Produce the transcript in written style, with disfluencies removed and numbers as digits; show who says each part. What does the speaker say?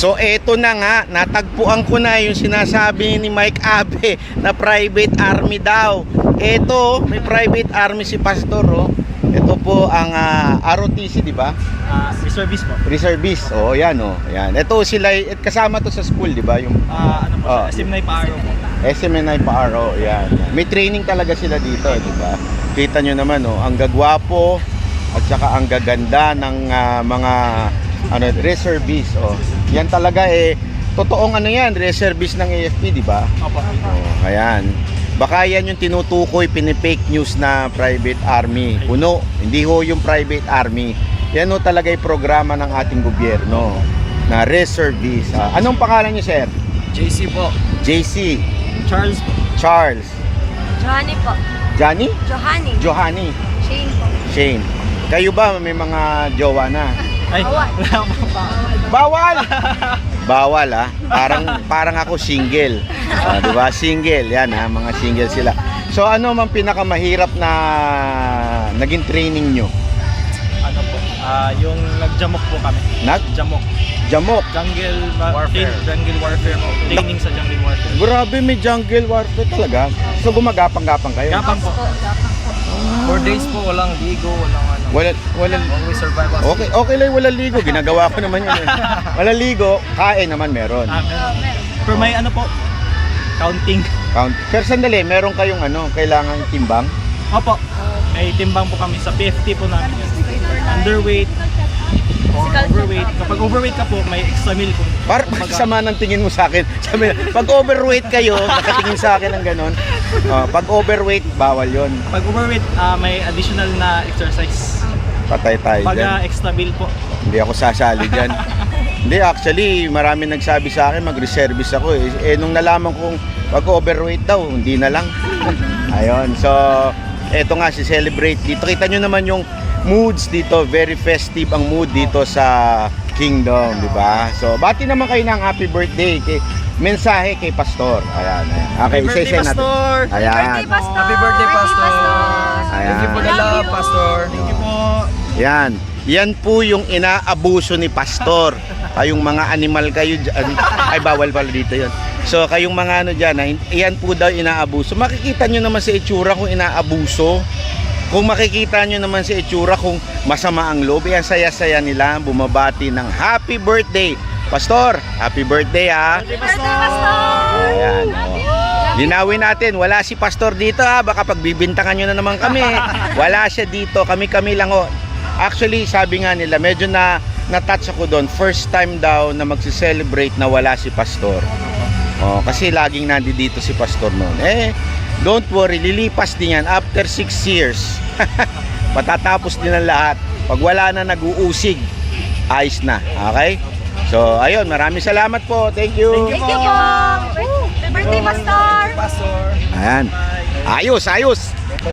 Speaker 1: So eto na nga, natagpuan ko na yung sinasabi ni Mike Abe na private army daw. Eto, may private army si Pastor, oh. Ito po ang ROTC, di ba?
Speaker 2: Reservist po.
Speaker 1: Reservist. Oh, yan oh. Yan. Ito sila kasama to sa school, di ba? Yung
Speaker 2: Ano po siya? SMNI Paaro po.
Speaker 1: SMNI Paaro, yan. May training talaga sila dito, di ba? Kita nyo naman oh, ang gagwapo at saka ang gaganda ng mga reservist, oh. Yan talaga totoong yan, reservist ng AFP, di ba?
Speaker 2: Opo.
Speaker 1: Oh, ayan. Baka yan yung tinutukoy, pinipake news na private army. Puno, hindi ho yung private army. Yan ho talaga yung programa ng ating gobyerno na reservist. Anong pangalan niyo, sir?
Speaker 2: JC po.
Speaker 1: JC.
Speaker 2: Charles po.
Speaker 1: Charles.
Speaker 3: Johanny po.
Speaker 1: Johnny?
Speaker 3: Johanny.
Speaker 1: Johanny.
Speaker 3: Shane po.
Speaker 1: Shane. Kayo ba may mga jowa na?
Speaker 2: Ay,
Speaker 3: Bawal.
Speaker 2: wala po pa.
Speaker 1: Bawal! Bawal parang ako single. Di ba? Single. Yan mga single sila. So ano man pinakamahirap na naging training nyo?
Speaker 2: Ano po? Yung nagjamok po kami. Jamok.
Speaker 1: Jamok.
Speaker 2: Jungle warfare. Jungle warfare po. Training sa jungle warfare.
Speaker 1: Grabe, may jungle warfare talaga. So gumagapang-gapang kayo?
Speaker 2: Gapang po. 4 days po, walang ligo, walang ano.
Speaker 1: Walang
Speaker 2: Always survive us.
Speaker 1: okay lang walang ligo. Ginagawa ko naman yun. Walang ligo, kain naman meron.
Speaker 2: Meron. Pero may ano po, counting.
Speaker 1: Pero sandali, meron kayong kailangan timbang?
Speaker 2: Opo. May timbang po kami sa PFT po namin yun. Underweight or overweight. Kapag overweight ka po, may extra meal po.
Speaker 1: Sama ng tingin mo sa akin. Sabi, pag overweight kayo, nakatingin sa akin ng ganon. Pag overweight, bawal yon.
Speaker 2: Pag overweight, may additional na exercise.
Speaker 1: Patay tayo
Speaker 2: Pag
Speaker 1: dyan.
Speaker 2: extra meal po.
Speaker 1: Hindi ako sasali dyan. Hindi, actually, marami nagsabi sa akin, mag-reservist ako nung nalaman kong pag overweight daw, hindi na lang. Ayun, so, eto nga, si celebrate dito. Kita nyo naman yung moods dito, very festive ang mood dito sa Kingdom, di ba? So, bati naman kayo ng happy birthday. Mensahe kay Pastor. Ayan. Okay,
Speaker 2: Happy birthday, Pastor!
Speaker 1: Ayan.
Speaker 3: Happy birthday, Pastor!
Speaker 2: Happy birthday, Pastor!
Speaker 1: Ayan.
Speaker 2: Thank you po na love, Pastor. Thank you po.
Speaker 1: Yan. Yan po yung inaabuso ni Pastor. Kayong mga animal kayo dyan. Ay, bawal pala dito yun. So, kayong mga dyan, yan po daw inaabuso. Makikita nyo naman sa itsura kung inaabuso. Kung makikita nyo naman sa itsura kung masama ang loob, yan saya-saya nila bumabati ng happy birthday. Pastor, happy birthday ha.
Speaker 3: Happy birthday, Pastor!
Speaker 1: Ayan. Linawin natin, wala si Pastor dito ha. Baka pagbibintangan nyo na naman kami. Wala siya dito, kami-kami lang ho. Actually, sabi nga nila, medyo na-touch ako doon. First time daw na magsi-celebrate na wala si Pastor. Kasi laging nandito si Pastor noon. Don't worry, lilipas din yan after 6 years. Matatapos din ang lahat. Pag wala na nag-uusig, ayos na. Okay? So, ayun, maraming salamat po. Thank you.
Speaker 3: Thank you po! Happy birthday, Pastor!
Speaker 2: Pastor.
Speaker 1: Ayan. Ayos.